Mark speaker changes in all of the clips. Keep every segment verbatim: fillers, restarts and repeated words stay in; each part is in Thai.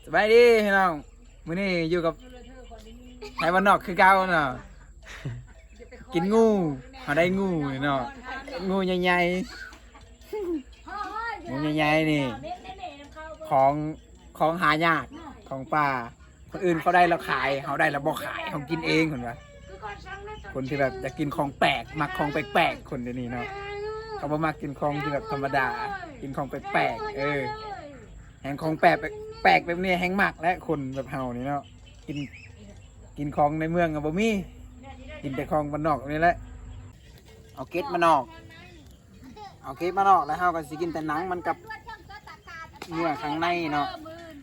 Speaker 1: สบายดีพี่น้องมื้อนี้อยู่กับไทยบ้านนอกคือเก่าเนาะกินงูเขาได้งูเนาะงูใหญ่ๆงูใหญ่ๆนี่ของของหายากของป่าคนอื่นเขาได้เราขายเขาได้เราบ่ขายเขากินเองคนวะคนที่แบบอยากกินของแปลกมักของแปลกๆคนเดี๋ยวนี้เนาะเขาบ่มักกินของที่แบบธรรมดากินของแปลกๆเออแห่งของแปลกแปลกแบบนี้แห่งมักและคนแบบเฮานี่เนาะกินกินของในเมืองกับบ่มีกินแต่ของบ้านนอกนี่แหละเอาเกล็ดมานอกเอาเกล็ดมานอกแล้วเฮาก็สิกินแต่หนังมันกับเนื้อข้างในเนาะ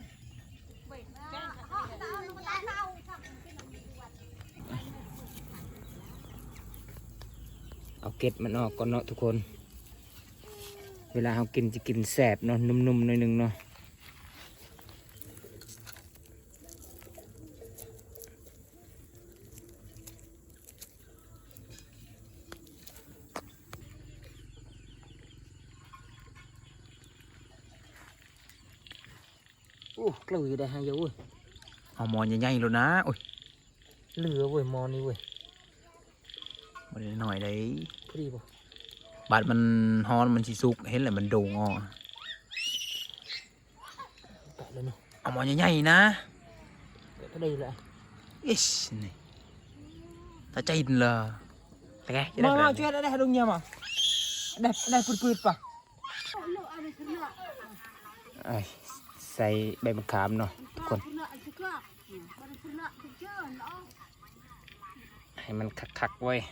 Speaker 1: เอาเกล็ดมันออกก่อนเนาะทุกคนเวลาเรากินจะกินแสบเนาะนุ่มๆหน่อยนึงเนาะโอ้กล้วยได้ฮะเยอะเว้ยเอามอนใหญ่ๆแล้วนะโอ้ยเหลือเว้ยมอนนี่เว้ยมันหน่อยได้พอดีป่ะบาดมันฮอนมันสิสุกเห็นเลยมันโด่งอ่ะแกะเลยเนาะเอามอนใหญ่ๆนะแกะพอดีเลยอิชนี่ถ้าใจดีเลยแต่แกมาเอาช่วยได้ได้ดงเงียบอ่ะได้ได้ปืดๆป่ะไอ้ใส่ใบมะขามเนาะทุกคนให้มันคักๆไว้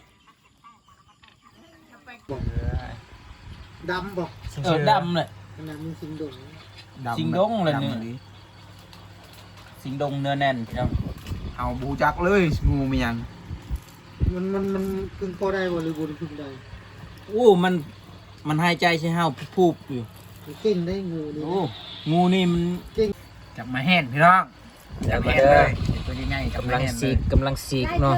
Speaker 2: ดำบอก
Speaker 3: เออดำเลย
Speaker 2: ขนาดมึงสิงดง
Speaker 3: สิงดงเลยเนี่ยสิงดงเนื้อแน่นพี่น้อง
Speaker 1: เอาบูจักเลยงูมันยัง
Speaker 2: มันมันมันพึ่งพอได้บ่หรือบนพึ่งได้
Speaker 3: โอ้มันมันหายใจใช่ห้าวพูบอยู่
Speaker 2: มันเก่งได้งูนี่
Speaker 3: โอ้งูนี่มัน
Speaker 1: จับมาแห้นพี่น้องจับมาแห้นเลยตัวใหญ่ๆจับ
Speaker 3: กำ
Speaker 1: มา
Speaker 3: ลัง
Speaker 1: แห้นเล
Speaker 3: สี
Speaker 1: ย
Speaker 3: กกำลังสีกเนาะ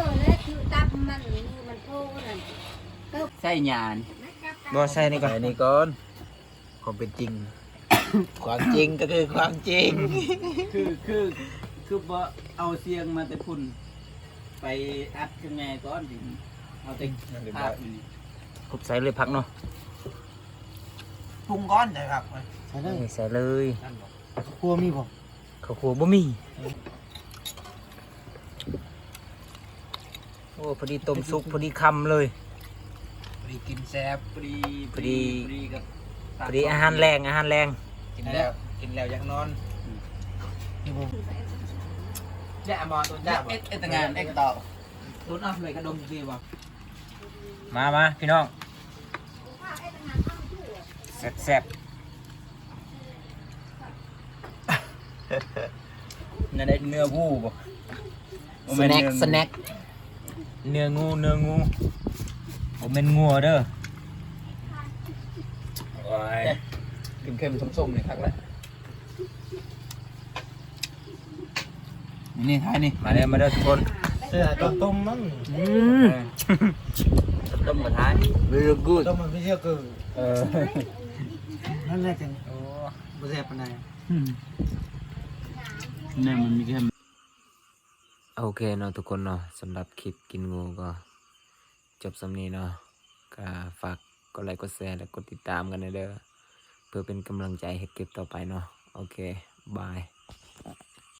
Speaker 3: ใส่หยาน
Speaker 1: บ่ใส่นี่ก่อนใส่นี่ก่อนความเป็นจริง ความจริงก็คือความจริง
Speaker 3: คือคือคือบ่เอาเสียงมาแต่พุ่นไปอัดกันไงก้อนถึงเอาแต่ภาพอยู่นี่
Speaker 1: คุบใส่เลยพักเนาะปรุงก้อนใช่ครับ
Speaker 2: ใช่ได้
Speaker 1: ใส่เลย
Speaker 2: ครัวมีบ่
Speaker 1: ข้าวคั่วบ่มีโอ้พอดีต้มซุปพอดีคำเลยพอดีกินแซ่บ
Speaker 3: พอดี
Speaker 1: พอดี
Speaker 3: พอดีกับ
Speaker 1: พอดีอาหารแรงอาหารแรงกินแล้วกินแล้วยังนอน
Speaker 2: นี่บ่
Speaker 1: แย่มอตัว
Speaker 3: เอ็
Speaker 1: แย่
Speaker 3: ดเอ็ดเอ็ดแต่งานเอ็ดต่อ
Speaker 1: ตุนเอาเลยกระดมดีบ่มามาพี่น้องแซ่บแซ่บ
Speaker 3: นั่นได้เนื้อวูบ่
Speaker 1: สแน็คสแน็คเนื้องูเนื้องูผมเป็นงัวเด้อโอ้ยเค็มๆส้มๆเลยครับแล้วนี่ท้ายนี่มาเด้อมาเด้อทุกคน
Speaker 2: เสื้อต้มต้มมั้ง
Speaker 1: อืม
Speaker 3: ต้มมาท้าย
Speaker 1: very good
Speaker 2: ต้มมันไม่เชื่อเกิน
Speaker 1: เออ
Speaker 2: นั่นแหละจังโอ้บ่แซ่บปานใด
Speaker 3: เนี่ยมันมีแค่
Speaker 1: โอเคเนาะทุกคนเนาะสำหรับคลิปกินงูก็จบสำนี้เนาะก็ฝากกดไลค์กดแชร์และกดติดตามกันเด้อเพื่อเป็นกำลังใจให้เก็บต่อไปเนาะโอเคบาย